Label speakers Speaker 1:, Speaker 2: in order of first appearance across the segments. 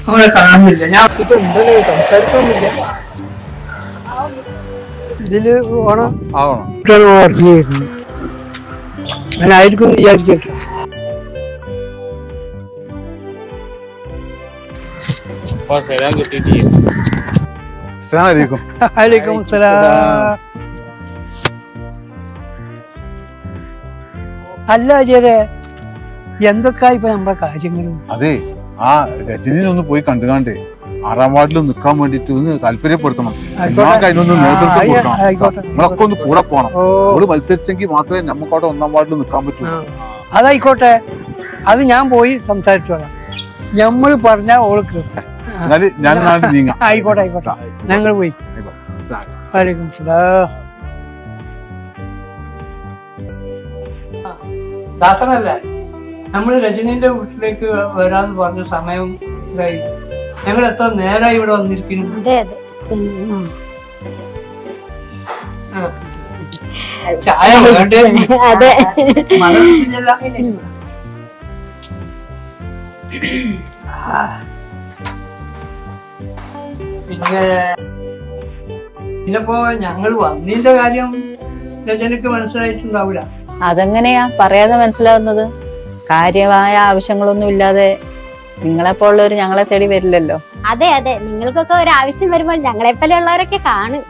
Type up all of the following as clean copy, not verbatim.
Speaker 1: അവനെ കാണുന്നില്ല. ഞാൻ ഉണ്ടല്ലോ സംസാരിക്കൊന്നുമില്ല. ഇതില് ഓണം വർക്ക് ചെയ്യുന്നു. ഞാനായിരിക്കും വിചാരിക്കട്ടെ. വലൈക്കും സലാം. അല്ല അജയരെ, എന്തൊക്കെയാ ഇപ്പൊ നമ്മുടെ കാര്യങ്ങളും?
Speaker 2: അതെ, ആ രജനിനെ ഒന്ന് പോയി കണ്ടുകാണ്ടേ 6ാം വാർഡിൽ നിൽക്കാൻ വേണ്ടിട്ട് ഒന്ന് താല്പര്യപ്പെടുത്തണം. അതിനൊന്ന് നേതൃത്വം കൊടുക്കണം. നമ്മളൊക്കെ ഒന്ന് കൂടെ പോകണം. അവള് മത്സരിച്ചെങ്കിൽ മാത്രമേ നമുക്കവിടെ 1ാം വാർഡിൽ നിൽക്കാൻ പറ്റൂ.
Speaker 1: അതായിക്കോട്ടെ, അത് ഞാൻ പോയി സംസാരിച്ചോളാം. ഞമ്മള് പറഞ്ഞ ഓൾക്ക്
Speaker 2: ഞാൻ നീങ്ങാം.
Speaker 1: ആയിക്കോട്ടെ ആയിക്കോട്ടെ, ഞങ്ങൾ പോയി. വലൈക്കും സലാം. ദാസനല്ലേ, നമ്മള് രജനീന്റെ വീട്ടിലേക്ക് വരാന്ന് പറഞ്ഞ സമയം എത്രയായി? ഞങ്ങൾ എത്ര നേരമായി ഇവിടെ വന്നിരിക്കുന്നു? ചായ വേണ്ടേ? മതമില്ലല്ലോ. പിന്നെപ്പോ ഞങ്ങൾ വന്നതിന്റെ കാര്യം രജനക്ക് മനസ്സിലായിട്ടുണ്ടാവില്ല.
Speaker 3: അതെങ്ങനെയാ പറയാതെ മനസ്സിലാവുന്നത്? കാര്യമായ ആവശ്യങ്ങളൊന്നും ഇല്ലാതെ നിങ്ങളെപ്പോലുള്ളവര് ഞങ്ങളെ തേടി വരില്ലല്ലോ.
Speaker 4: അതെ അതെ, നിങ്ങൾക്കൊക്കെ ഒരു ആവശ്യം വരുമ്പോൾ ഞങ്ങളെപ്പോലെ ഉള്ളവരൊക്കെ കാണും.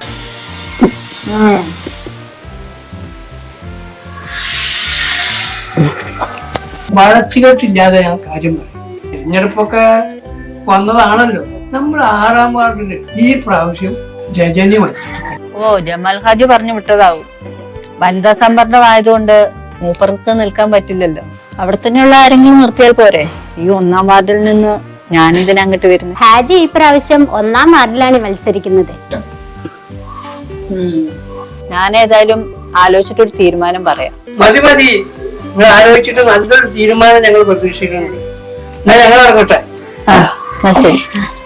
Speaker 1: വളച്ചുകെട്ടില്ലാതെ ഞാൻ കാര്യം പറയും. തിരഞ്ഞെടുപ്പൊക്കെ വന്നതാണല്ലോ. നമ്മൾ 6ാം വാർഡില് ഈ പ്രാവശ്യം രജനി മത്സരിക്കും.
Speaker 3: ഓ, ജമാൽ ഹാജി പറഞ്ഞു വിട്ടതാവും. വനിതാ സംവരണമായതുകൊണ്ട് മൂപ്പർക്ക് നിൽക്കാൻ പറ്റില്ലല്ലോ. അവിടെ തന്നെയുള്ള ആരെങ്കിലും നിർത്തിയാൽ പോരെ? ഈ 1ാം വാർഡിൽ നിന്ന് ഞാനിതിനെ അങ്ങോട്ട് വരുന്നു.
Speaker 4: ഹാജി ഈ പ്രാവശ്യം 1ാം വാർഡിലാണ് മത്സരിക്കുന്നത്.
Speaker 3: ഞാൻ ഏതായാലും ആലോചിച്ചിട്ടൊരു തീരുമാനം പറയാം.
Speaker 1: മതി മതി, നിങ്ങൾ ആലോചിച്ചിട്ട് നല്ലൊരു തീരുമാനം ഞങ്ങൾ പ്രതീക്ഷിക്കുന്നുണ്ട്. എന്നാ ഞങ്ങൾ ഇറങ്ങട്ടെ.
Speaker 3: എന്നാ ശരി.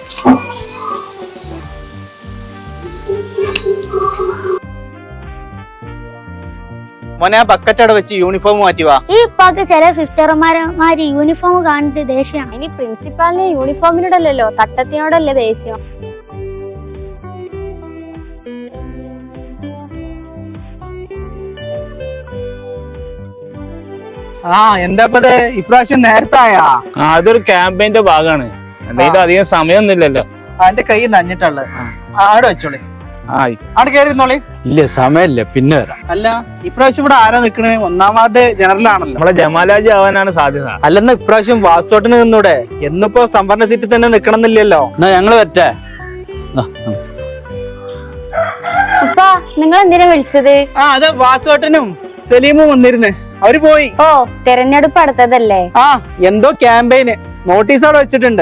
Speaker 5: മോനെ, ബക്കറ്റ് അവിടെ വെച്ച് യൂണിഫോം മാറ്റിവാ.
Speaker 4: ഈ ഇപ്പൊക്കെ ചില സിസ്റ്റർമാര് യൂണിഫോം കാണുന്നത് ദേഷ്യമാണ്. ഇനി പ്രിൻസിപ്പാളിന് യൂണിഫോമിനോടല്ലോ തട്ടത്തിനോടല്ലേ ദേഷ്യം.
Speaker 5: എന്താ ഇപ്രാവശ്യം നേരത്തായാ? അതൊരു ക്യാമ്പയിന്റെ ഭാഗമാണ്. എന്തായാലും അധികം സമയമൊന്നുമില്ലല്ലോ.
Speaker 1: എന്റെ കൈ നഞ്ഞിട്ടുള്ളത് ആടെ വെച്ചോളി. ആടെ കയറിയിരുന്നോളി.
Speaker 6: ഇല്ല, സമയമില്ല, പിന്നെ വരാം.
Speaker 5: അല്ല, ഇപ്രാവശ്യം ഇവിടെ ആരാ നിക്കണേ? 1ാം വാർഡ് ജനറൽ ആണല്ലോ. നമ്മളെ ജമാലാജി ആവാനാണ് സാധ്യത. അല്ലെന്ന ഇപ്രാവശ്യം വാസോട്ടിന് നിന്നൂടെ? എന്നിപ്പോ സംവരണ സീറ്റിൽ തന്നെ നിക്കണം എന്നില്ലല്ലോ.
Speaker 6: എന്നാ ഞങ്ങള് വരട്ടെ.
Speaker 4: നിങ്ങൾ എന്തിനാ വിളിച്ചത്?
Speaker 5: അതെ, വാസോട്ടനും സലീമും വന്നിരുന്നേ. അവര് പോയി.
Speaker 4: ഓ, തെരഞ്ഞെടുപ്പ് അടുത്തതല്ലേ?
Speaker 5: എന്തോ ക്യാമ്പയിന് നോട്ടീസ് അവിടെ വെച്ചിട്ടുണ്ട്.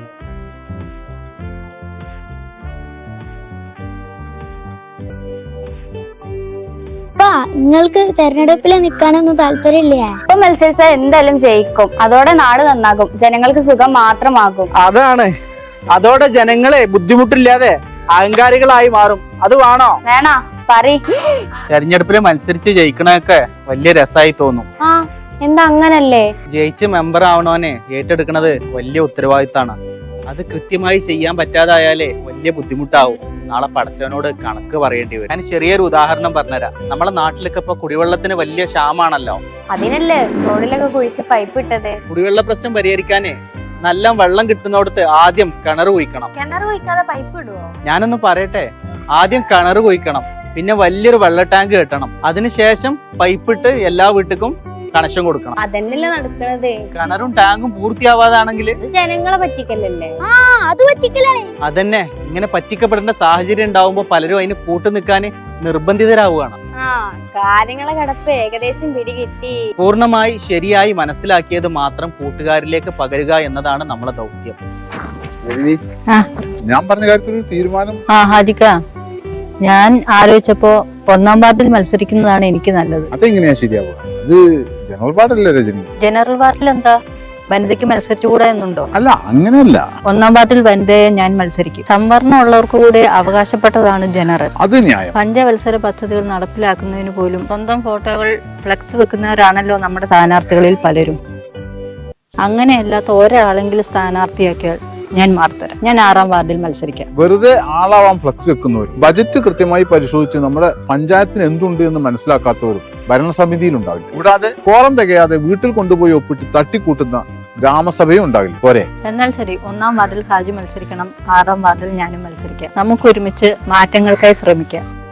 Speaker 4: നിങ്ങൾക്ക് തെരഞ്ഞെടുപ്പിൽ നിൽക്കാനൊന്നും താല്പര്യമില്ലേ? ഇപ്പൊ മത്സരിച്ചാൽ എന്തായാലും ജയിക്കും. അതോടെ നാട് നന്നാകും, ജനങ്ങൾക്ക് സുഖം മാത്രമാകും.
Speaker 5: അതാണ്, അതോടെ ജനങ്ങളെ ബുദ്ധിമുട്ടില്ലാതെ അഹങ്കാരികളായി മാറും. അത് വേണോ?
Speaker 4: വേണോ? പറയ്.
Speaker 5: തെരഞ്ഞെടുപ്പിൽ മത്സരിച്ച് ജയിക്കണൊക്കെ വലിയ രസമായി തോന്നും.
Speaker 4: എന്താ അങ്ങനല്ലേ?
Speaker 5: ജയിച്ച് മെമ്പർ ആവണോനെ ഏറ്റെടുക്കണത് വലിയ ഉത്തരവാദിത്തമാണ്. അത് കൃത്യമായി ചെയ്യാൻ പറ്റാതായാലേ വലിയ ബുദ്ധിമുട്ടാവും. നാളെ പടച്ചവനോട് കണക്ക് പറയേണ്ടി വരും. ഞാൻ ചെറിയൊരു ഉദാഹരണം പറഞ്ഞുതരാം. നമ്മളെ നാട്ടിലൊക്കെ ഇപ്പൊ കുടിവെള്ളത്തിന് വലിയ ക്ഷാമാണല്ലോ.
Speaker 4: അതിനല്ലേ റോഡിലൊക്കെ കുഴിച്ച് പൈപ്പ് ഇട്ടത്.
Speaker 5: കുടിവെള്ള പ്രശ്നം പരിഹരിക്കാനേ നല്ല വെള്ളം കിട്ടുന്നിടത്ത് ആദ്യം കിണർ കുഴിക്കണം.
Speaker 4: കിണർ കുഴിക്കാതെ പൈപ്പ് ഇടുവോ?
Speaker 5: ഞാനൊന്ന് പറയട്ടെ. ആദ്യം കിണർ കുഴിക്കണം, പിന്നെ വലിയൊരു വെള്ള ടാങ്ക് കെട്ടണം, അതിനുശേഷം പൈപ്പിട്ട് എല്ലാ വീട്ടിലും കണക്ഷൻ കൊടുക്കണം.
Speaker 4: അതന്നെയല്ലേ നടക്കുന്നത്.
Speaker 5: കിണറും ടാങ്കും പൂർത്തിയാവാതാണെങ്കിൽ
Speaker 4: ജനങ്ങളെ പറ്റിക്കലല്ലേ? അത് പറ്റിക്കലാണ്.
Speaker 5: അതന്നെ, ഇങ്ങനെ പറ്റിക്കപ്പെടേണ്ട സാഹചര്യം ഉണ്ടാവുമ്പോ പലരും അതിന് കൂട്ടു നിൽക്കാൻ നിർബന്ധിതരാവുകയാണ്.
Speaker 4: കാര്യങ്ങളെ കിടപ്പ് ഏകദേശം പിടികിട്ടി.
Speaker 5: പൂർണ്ണമായി ശരിയായി മനസ്സിലാക്കിയത് മാത്രം കൂട്ടുകാരിലേക്ക് പകരുക എന്നതാണ് നമ്മളെ ദൗത്യം.
Speaker 2: ഞാൻ പറഞ്ഞ കാര്യത്തിൽ ഒരു തീരുമാനം.
Speaker 3: ഹാജിക്ക, ഞാൻ ആലോചിച്ചപ്പോ 1ാം വാർഡിൽ മത്സരിക്കുന്നതാണ് എനിക്ക് നല്ലത്.
Speaker 2: അതെങ്ങനെയാ ശരിയാവുക? അത് ജനറൽ വാർഡല്ലേ രജനി?
Speaker 3: ജനറൽ വാർഡിൽ എന്താ വനിതയ്ക്ക് മത്സരിച്ചുകൂടെ എന്നുണ്ടോ?
Speaker 2: അല്ല, അങ്ങനെയല്ല.
Speaker 3: 1ാം വാർഡിൽ വനിതയെ ഞാൻ മത്സരിക്കും. സംവരണം ഉള്ളവർക്ക് കൂടെ അവകാശപ്പെട്ടതാണ് ജനറൽ.
Speaker 2: അത് ന്യായം.
Speaker 3: പഞ്ചവത്സര പദ്ധതികൾ നടപ്പിലാക്കുന്നതിന് പോലും സ്വന്തം ഫോട്ടോകൾ ഫ്ലെക്സ് വെക്കുന്നവരാണല്ലോ നമ്മുടെ സ്ഥാനാർത്ഥികളിൽ പലരും. അങ്ങനെയല്ലാത്ത ഒരാളെങ്കിലും സ്ഥാനാർത്ഥിയാക്കിയാൽ ഞാൻ മാർത്തരാം. ഞാൻ 6ാം വാർഡിൽ മത്സരിക്കാം.
Speaker 2: വെറുതെ ആളാവാൻ ഫ്ലക്സ് വെക്കുന്നവർ, ബജറ്റ് കൃത്യമായി പരിശോധിച്ച് നമ്മുടെ പഞ്ചായത്തിന് എന്തുണ്ട് എന്ന് മനസ്സിലാക്കാത്തവരും ഭരണസമിതിയിൽ ഉണ്ടാവില്ല. കൂടാതെ കോറം തികയാതെ വീട്ടിൽ കൊണ്ടുപോയി ഒപ്പിട്ട് തട്ടിക്കൂട്ടുന്ന ഗ്രാമസഭയും ഉണ്ടാവില്ല. പോരെ?
Speaker 3: എന്നാൽ ശരി, 1ാം വാർഡിൽ ഹാജി മത്സരിക്കണം, 6ാം വാർഡിൽ ഞാനും മത്സരിക്കാം. നമുക്ക് ഒരുമിച്ച് മാറ്റങ്ങൾക്കായി ശ്രമിക്കാം.